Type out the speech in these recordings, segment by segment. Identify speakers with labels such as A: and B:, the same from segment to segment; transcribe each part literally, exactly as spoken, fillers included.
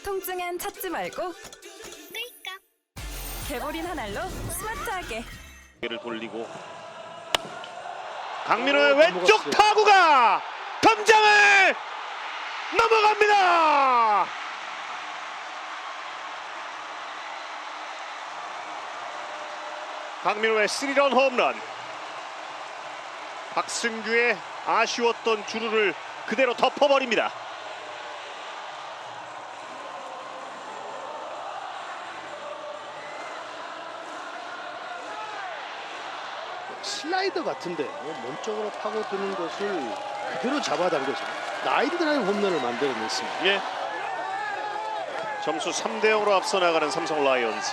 A: 통증엔 찾지 말고 끌까. 개보린 한 알로 스마트하게.
B: 를 돌리고 강민호의 왼쪽 타구가 담장을 넘어갑니다. 강민호의 스리런 홈런. 박승규의 아쉬웠던 주루를 그대로 덮어버립니다.
C: 슬라이더 같은데 몸쪽으로 파고드는 것을 그대로 잡아당겨서 라인 드라이브 홈런을 만들어냈습니다.
B: 예. 점수 삼 대 영으로 앞서 나가는 삼성 라이온즈.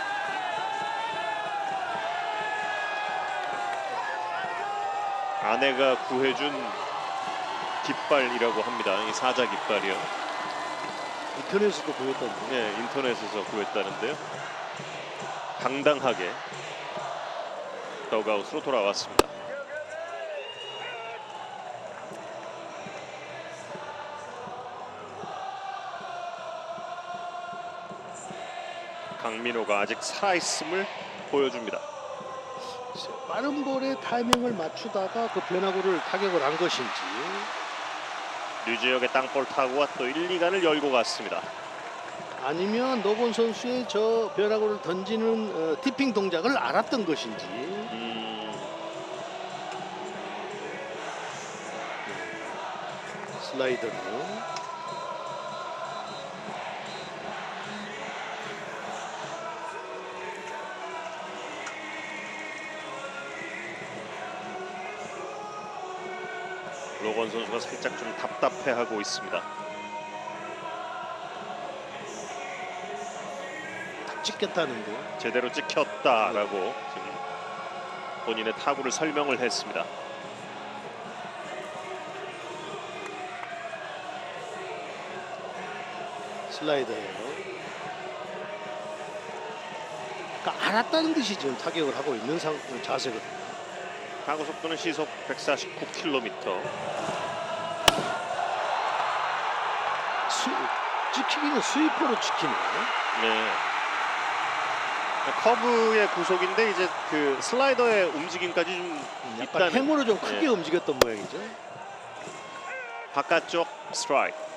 B: 아내가 구해준 깃발이라고 합니다. 이 사자 깃발이요.
C: 인터넷에서도 보였던데.
B: 네, 인터넷에서 구했다는데요. 당당하게 더그아웃으로 돌아왔습니다. 강민호가 아직 살아있음을 보여줍니다.
C: 빠른 볼에 타이밍을 맞추다가 그 변화구를 타격을 한 것인지.
B: 류지혁의 땅볼 타구가 또 일, 이 간을 열고 갔습니다.
C: 아니면 노건 선수의 저 변화구를 던지는 어, 티핑 동작을 알았던 것인지.
B: 음,
C: 슬라이더로.
B: 로건 선수가 살짝 좀 답답해하고 있습니다.
C: 딱 찍겠다는데.
B: 제대로 찍혔다라고 지금 본인의 타구를 설명을 했습니다.
C: 슬라이더예요. 그러니까 알았다는 듯이 지금 타격을 하고 있는 상, 자세거든요.
B: 타구 속도는 시속 백사십구 킬로미터.
C: 수, 찍히기는 스위퍼로 찍히네.
B: 네. 커브의 구속인데 이제 그 슬라이더의 움직임까지 좀
C: 약간
B: 있다는.
C: 행으로 좀 크게
B: 네.
C: 움직였던 모양이죠.
B: 바깥쪽 스트라이크.